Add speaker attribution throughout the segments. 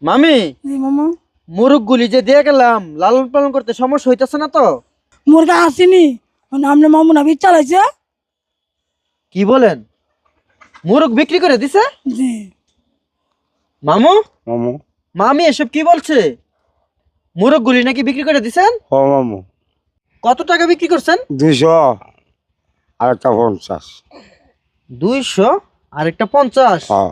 Speaker 1: মামি,
Speaker 2: জি মামা।
Speaker 1: মুরগগুলি যে দিয়ে গেলাম লালন পালন করতে সমস্যা হইতেছে না তো?
Speaker 2: মুরগা আসেনি, আপনার মামু না বিচ চালাইছে।
Speaker 1: কি বলেন? মুরগ বিক্রি করে দিছে?
Speaker 2: জি
Speaker 1: মামু,
Speaker 3: মামু।
Speaker 1: মামি এসব কি বলছে? মুরগগুলি নাকি বিক্রি করে দিছেন?
Speaker 3: ও মামু।
Speaker 1: কত টাকা বিক্রি করছেন?
Speaker 3: 200 আর একটা 50।
Speaker 1: 200 আর একটা 50?
Speaker 3: হ্যাঁ।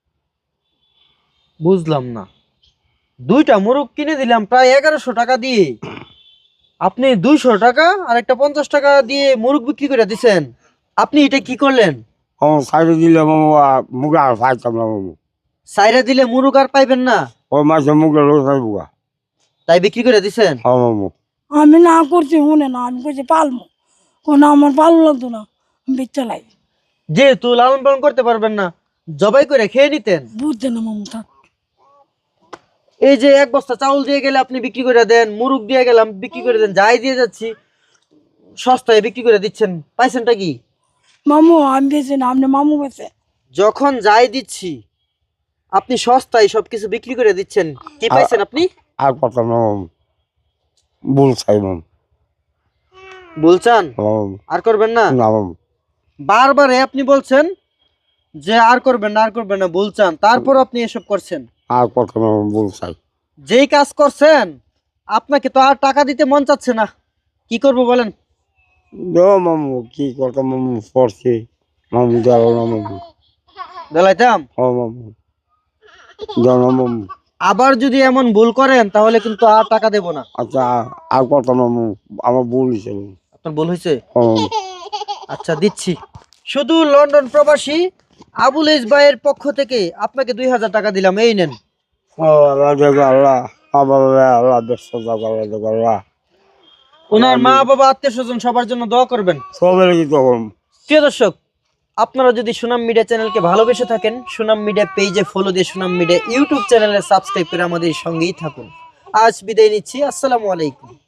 Speaker 1: বুঝলাম না। দুইটা মুরগ কিনে দিলাম প্রায় 1100 টাকা দিয়ে, আপনি 200 টাকা আর একটা 50 টাকা দিয়ে মুরগ বিক্রি করে দিছেন। আপনি এটা কি করলেন?
Speaker 3: মামু সাইডে দিলে মামু মুগা আর পাইতাম না মামু।
Speaker 1: সাইরা দিলে মুরগ আর পাইবেন না,
Speaker 3: ওই মাসে মুগা লোক পাইবুগা।
Speaker 1: তাই বিক্রি করে দিছেন?
Speaker 3: হ্যাঁ মামু।
Speaker 2: আমি না করছি, শুনে না, আমি করছি পালমো, কোনো আমার ভালো লাগতো না, বিচ চালাই।
Speaker 1: যেহেতু লালন পালন করতে পারবেন না, জবাই করে খেয়ে নিতেন।
Speaker 2: বুঝছে না মামু থাক।
Speaker 1: এই যে এক বস্তা চাউল দিয়ে গেলে আপনি বিক্রি করে দেন, মুরগ দিয়ে গেলাম বিক্রি করে দেন, যাই দিয়ে যাচ্ছি সস্তায় বিক্রি করে দিচ্ছেন, পাইছেনটা কি?
Speaker 2: মামু আমি বেছে না, আপনি মামু বেছে।
Speaker 1: যখন যাই দিচ্ছি আপনি সস্তায় সবকিছু বিক্রি করে দিচ্ছেন, কি পাইছেন আপনি?
Speaker 3: আর পারতাম না মামু। ভুল চাই মামু।
Speaker 1: বলছেন
Speaker 3: মামু।
Speaker 1: আর করবেন না?
Speaker 3: না মামু।
Speaker 1: বারবারে আপনি বলছেন যে আর করবেন না, আর করবেন না, বলছেন, তারপর আপনি এসব করছেন।
Speaker 3: আর পারতাম না মামু, ভুল চাই।
Speaker 1: যেই কাজ করছেন আপনাকে তো আর টাকা দিতে মন চাচ্ছে না, কি করব বলেন?
Speaker 3: দেও মামু, কি করতাম মামু, পড়ছি মামু, দেও না মামু।
Speaker 1: বেলাইতাম।
Speaker 3: ও মামু, দেও না মামু।
Speaker 1: আবার যদি এমন ভুল করেন তাহলে কিন্তু আর টাকা দেব না।
Speaker 3: আচ্ছা আর করতাম না মামু, আমার ভুল হিসেবে।
Speaker 1: আপনার ভুল হয়েছে?
Speaker 3: ও মামু।
Speaker 1: আচ্ছা দিচ্ছি। শুধু লন্ডন প্রবাসী আবুল ইস ভাইয়ের পক্ষ থেকে আপনাকে 2000 টাকা দিলাম, এই নেন।
Speaker 3: ও আল্লাহ দেখো আল্লাহ, আল্লাহ আল্লাহ, দেখো আল্লাহ দেখো আল্লাহ।
Speaker 1: ওনার মা বাবা আত্মীয় স্বজন সবার জন্য দোয়া করবেন।
Speaker 3: সবের কি তখন।
Speaker 1: প্রিয় দর্শক, আপনারা যদি সুনাম মিডিয়া চ্যানেলকে ভালোবেসে থাকেন, সুনাম মিডিয়া পেজে ফলো দিয়ে সুনাম মিডিয়া ইউটিউব চ্যানেলে সাবস্ক্রাইব করে আমাদের সঙ্গেই থাকুন। আজ বিদায় নিচ্ছি, আসসালামু আলাইকুম।